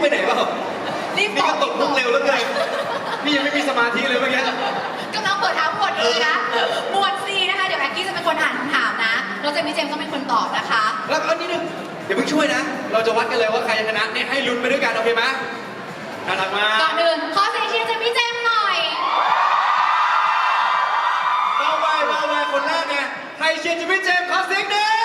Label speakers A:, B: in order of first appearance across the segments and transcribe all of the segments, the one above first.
A: ไปไหนเปล่า
B: รีบ
A: นี่ก็ตกมุกเร็วแล้วเกินนี่ยังไม่มีสมาธิเลยเมื่อกี้
B: กำลังเปิดทั้งหมดเลยนะหมวด C นะคะเดี๋ยวแอ็กกี้จะเป็นคนอ่านคำถามนะเราจะมีเจมส์ต้องเป็นคนตอบนะคะ
A: แล้วก็นิดนึงเดี๋ยวเพิ่งช่วยนะ เราจะวัดกันเลยว่าใครจะชนะเนี่ยให้ลุ้นไปด้วยกันโอเคไหมน่ารักมาก
B: ก่อนอื่นขอเสียงเชียร์จากพี่เจมส์หน่อย
A: เบาไปคนแรกไงใครเชียร์จิมมี่เจมส์ขอเสียงหนึ่ง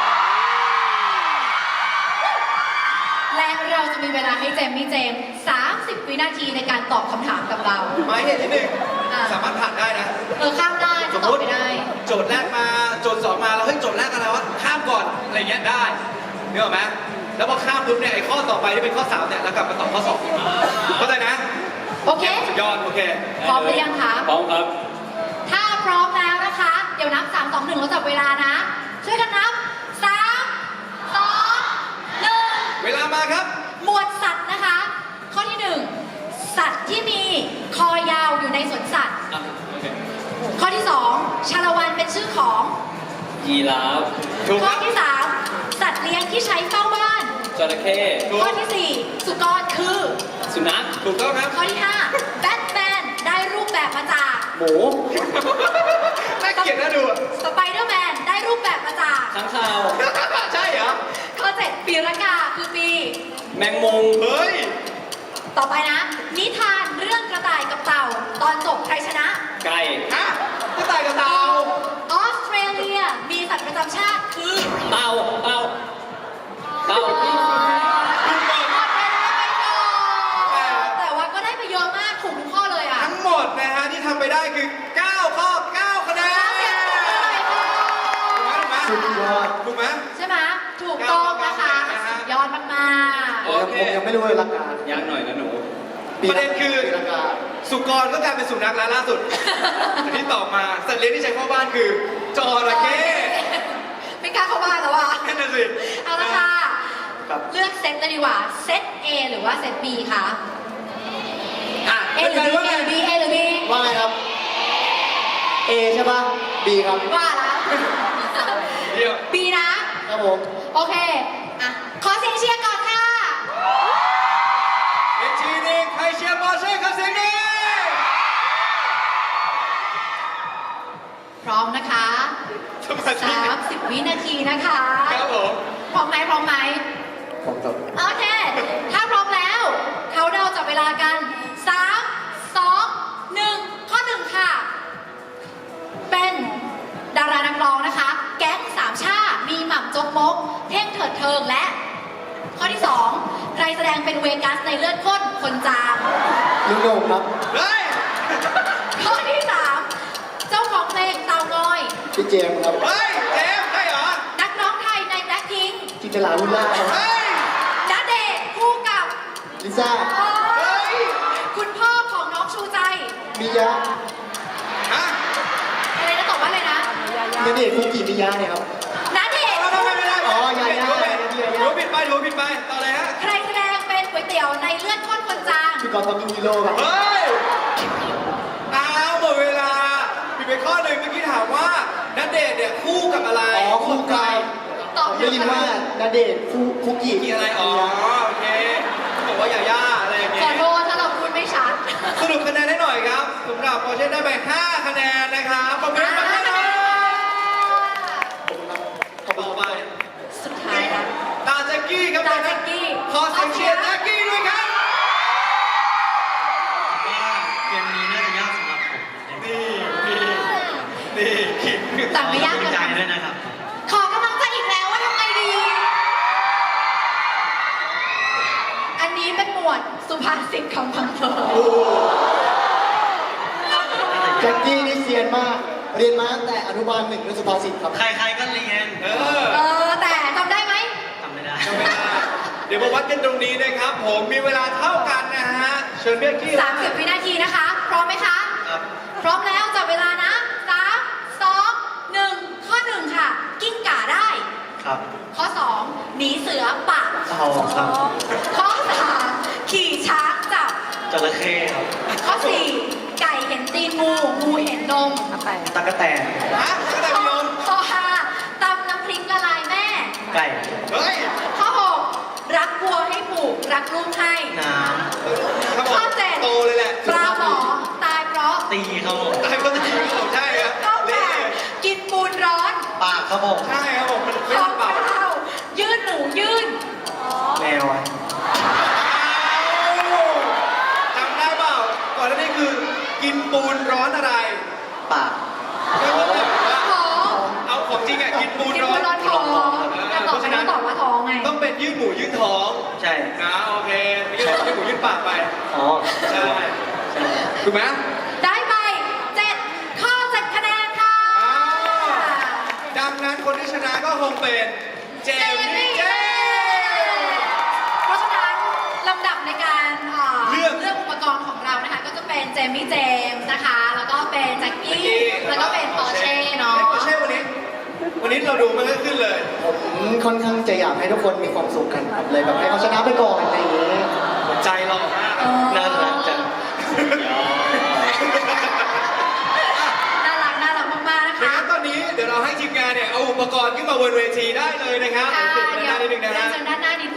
B: และเราจะมีเวลาให้เจมส์30 วินาทีในการตอบคำถามกับเรา
A: หมายเหตุที่หนึ่งสามารถผ่านได้นะ
B: ข้ามได้
A: สม
B: ต
A: ม
B: อบ
A: ติ
B: ไม่ได้
A: โจทย์แรกมาโจทย์สองมาแล้วเฮ้ยโจทย์แรกอะไรวะข้ามก่อนอะไรเงี้ยได้นึกออกไหมแล้วพอข้ามปุ๊บเนี่ยไอ้ข้อต่อไปที่เป็นข้อ3เนี่ยแล้วกลับมาตอบข้อ2เข้าใจนะ
B: โอเค
A: สุดยอดโอเค
B: พร้อมหรือยังคะ
C: พร้อมครับ
B: ถ้าพร้อมแล้วนะคะ เดี๋ยวนับ 3 2 1เราจับเวลานะ ช่วยกันนับ 3 2
A: เวลามาครับ
B: 1 หมวดสัตว์นะคะ ข้อที่ 1 สัตว์ที่มีคอยาวอยู่ในสวนสัตว์
C: อ่ะโอเค
B: ข้อที่ 2 ชาละวันเป็นชื่อของ
C: ยีราฟ
A: ถูกค
B: ข้อ
A: รับ
B: ที่ 3 สัตว์เลี้ยงที่ใช้เฝ้าบ้าน
C: จระเข้
A: ถูก
B: ข้อที่ 4 สุกรคือ
C: สุนัข
A: ถูกต้องครับ
B: ข้อที่ 5 แบทแมนได้รูปแบบมาจาก
C: หมู
A: น่าเกลียดน่าดูอะ
B: สไปเดอร์แมนได้รูปแบบมาจาก
C: ข้างคาว
A: ใช่เหรอ
B: ข้อ 7 ปีรากาคือปี
C: แมงมุม
A: เฮ้ย
B: ต่อไปนะ นิทานเรื่องกระต่ายกับเต่า ตอนจบใครชนะ
C: ไก่
A: ฮะกระต่ายกับเต่า
B: ออสเตรเลียมีสัตว์ประจำชาติคือ
C: เต่าเต่าเต่า
B: หมดเวลาไปก่อนแต่ว่าก็ได้ไปเยอะมากถูกทุกข้อเลยอ่ะ
A: ทั้งหมดนะฮะที่ทำไปได้คือ 9 ข้อ 9 คะแนน
B: เสียงปรบมือหน่อยค่ะ
A: ถูกไหมถูกไหม
B: ใช่ไหมถูกต้องนะคะสุดยอดมาก
A: โอเค
D: ผมยังไม่รู้เลยหลักการ
C: ยากหน่อยนะหนู
A: ประเด็นคือ
D: ปีละกา
A: สุกรก็กลายเป็นสุนัขแล้วล่าสุดแต่ที่ตอบมาสัตว์เลี้ยงที่ใช้เข้าบ้านคือจระเข้
B: ๆไม่กล้าเข้าบ้านแล้วอ่ะ
A: นั่นน่ะสิ
B: เอาละค่ะ
D: ครับ
B: เลือกเซตเลยดีกว่า เซต A หรือว่าเซต B คะ
A: อ่ะ
B: A หรือ B A หรือ B A หรือ B
D: ว่าไงครับ A ใช่ปะ B ครับ
B: ว่าละ
A: เดี๋ยว
B: B นะ
D: ครับผม
B: โอเค อ่ะ ขอเสียงเชียร์ก่อนค่ะ
A: อีกทีหนึงใครเชียร์บอลช่วยเขาเสียงหนี้
B: พร้อมนะคะ
A: สมาธิ
B: 30 วินาทีนะคะ
A: ครับผม
B: พร้อมไหมพร้อมไหม
D: ผมจบ
B: โอเค ถ้าพร้อมแล้ว เขาเดาจับเวลากัน 3 2 1 ข้อ 1 ค่ะ เป็นดารานักร้องนะคะ แก๊งสามชาติมีหม่ำจกมก เท่งเถิดเทิงและ ข้อที่ 2 ใครแสดงเป็นเวกัสในเลือดข้นคนจาง
D: ลุงโหน่งครับ
A: เฮ้ย
B: ข้อที่ 3 เจ้าของเพลงเตางอย
D: พี่เจมส์ครับ
A: เฮ้ยเจมส์ใช่เหรอ
B: นักร้องไทยในแบล็คพิงค์
D: จินตลาลุล่าครับ
A: เฮ้ย
B: ณเดชน์คู่กับ
D: ลิซ่า
A: เฮ้ย
B: คุณพ่อของน้องชูใจ
D: มิยะ
A: ฮะ
B: อะไรนะตอบว่าอะไรนะ
D: ณเดชน์คุกิมิยะเนี่ยครับ
B: ณเดชน์
A: ไม่ได้
D: อ๋อยายา
A: ถือผิดไปถือผิดไปต่อเลยฮะ
B: ใครแสดงเป็นก๋วยเตี๋ยวในเลือดข้นคนจาง
D: พี่กอล์ฟตอมมี่ฮีโร่ครับ
A: เฮ้ยอ้าวหมดเวลาผิดไปข้อหนึ่งเมื่อกี้ถามว่าณเดชน์เนี่ยคู่กับอะไร
D: อ๋อคู่กาย
B: ตอบ
D: ผมได้ยินว่าณเดชน์คุกิ
A: กี่อะไรอ๋อโอเคบอกว่าย่าอะไรอย่าง
B: ข
A: เงี้
B: อย โทษถ้าเราพูดไม่ชัด
A: สรุปคะแนนให้หน่อยครับสำหรับปอร์เช่ได้ไป 5 คะแนนนะครับปรบมือให้หน่อยต่อไป
B: สุดท้ายนะ
A: ตาแจ็กกี้ครับ
B: ตาแจ็กกี้
A: ขอเสียงเชียร์แจ็กกี้ด้วยครับ
E: ว่าเกมนี้น่าจะยากสำหรับผม
A: นี่ขิง
B: แต่ไม่ยาก
E: ขอ
B: เกิน
E: ใจ
B: ไป
E: ด้วยนะครับ
B: ขอกำลังใจอีกแล้วว่าทำไงดี อันนี้เป็นหมวดสุภาษิตคำพังเพย
D: แจ็คกี้นี่เซียนมาก เรียนมาตั้งแต่อนุบาล1ในสุภาษิตครับ
E: ใครๆก็เรียน
B: แต่จำได้ไหม
E: ทำไม่ได้
A: เดี๋ยวมาวัดกันตรงนี้นะครับ ผมมีเวลาเท่ากันนะฮะ เชิญเบียร์กี้
B: 30 วินาทีนะคะ พร้อมไหมคะ
E: ครับ
B: พร้อมแล้วจับเวลานะ 3 2 1 ข้อ 1 ค่ะ กิ้งก่าได้
E: ครับ
B: ข้อ 2 หนีเสือปะ
E: เอาครับ
B: ข้อ 3 ขี่ช้างจับ
E: จระเข้ครับ
B: ข้อ 4 ไก่เห็นตีนงู งูเห็นนม
E: ตะกะแตน
A: ฮะก็ได้พี่นม
B: ข้อ 5 ตำน้ำพริกละลายแม่
E: ไก่
A: เฮ้ย
B: ข้อ 6 รักวัวให้ผูกรักดรูปให้
E: น้
A: ครับผม
B: ข้อเจ็ด
A: โตเลยแหละ
B: ปลาหมอตายเพราะ
E: ำตีครับผม
A: ตายก็จะดีครับผมใช่ครับ
B: ข้อแป
A: เละ
B: ดกินปูนร้อน
E: ปากครับผม
A: ใช่ครับผมมันไม่
B: ข้อ
A: ลำบาก
B: เก้ายื่นหนูยื่น
E: แมวอะ
A: จำได้เปล่าก่อนหน้านี้คือกินปูนร้อนอะไร
E: ปาก
A: ไม่ว่าแต่ว่า
B: ท้อง
A: เอาของจริงอ่ะกินปูน
B: กิน
A: ร้อ
B: ปู
A: น
B: นร้อนท้องแต่ตอบไปต้องตอบว่าท้องไง
A: ต้องเป็นยืดหมูยืดท้อง
E: ใช่
A: นะโอเคไม่ใช่ยืดหมูยืดปากไป
E: อ๋อ
A: ใช่
E: ใช่
A: ถูกไหม
B: ได้ไป7ข้อ7คะแนนค่ะ
A: ดังนั้นคนที่ชนะก็คงเป็นเจมมี่เจ
B: เพราะฉะนั้นลำดับในการ
A: เลือก
B: อุปกรณ์ของเรานะคะ ก็จะเป็นเจมี่เจมส์นะคะ แล้วก็เป็นแจ็คกี้ แล้วก็เป็นปอร์เช่เนาะ
A: ปอร์เช่วันนี้เราดูไม่ค่อยขึ้นเลย
D: ผมค่อนข้างจะอยากให้ทุกคนมีความสุขกันครับเลยแบบให้เขาชนะไปก่อนอะไรอย่างนี้
A: ใจหล่อมาก
B: เออ
E: น่ารักจัง
B: น่ารักมากๆนะ
A: ดัง
B: คะ
A: นั้นตอนนี้เดี๋ยวเราให้ทีมงานเนี่ยเอาอุปกรณ์ขึ้นมาบนเวทีได้เลยนะครับ
B: ค่ะ
A: เดี๋ยวเปลี่ยนหน้านิดนึงนะ
B: เดี๋ยว
A: ฮะ
B: เชิญด้านหน้านิด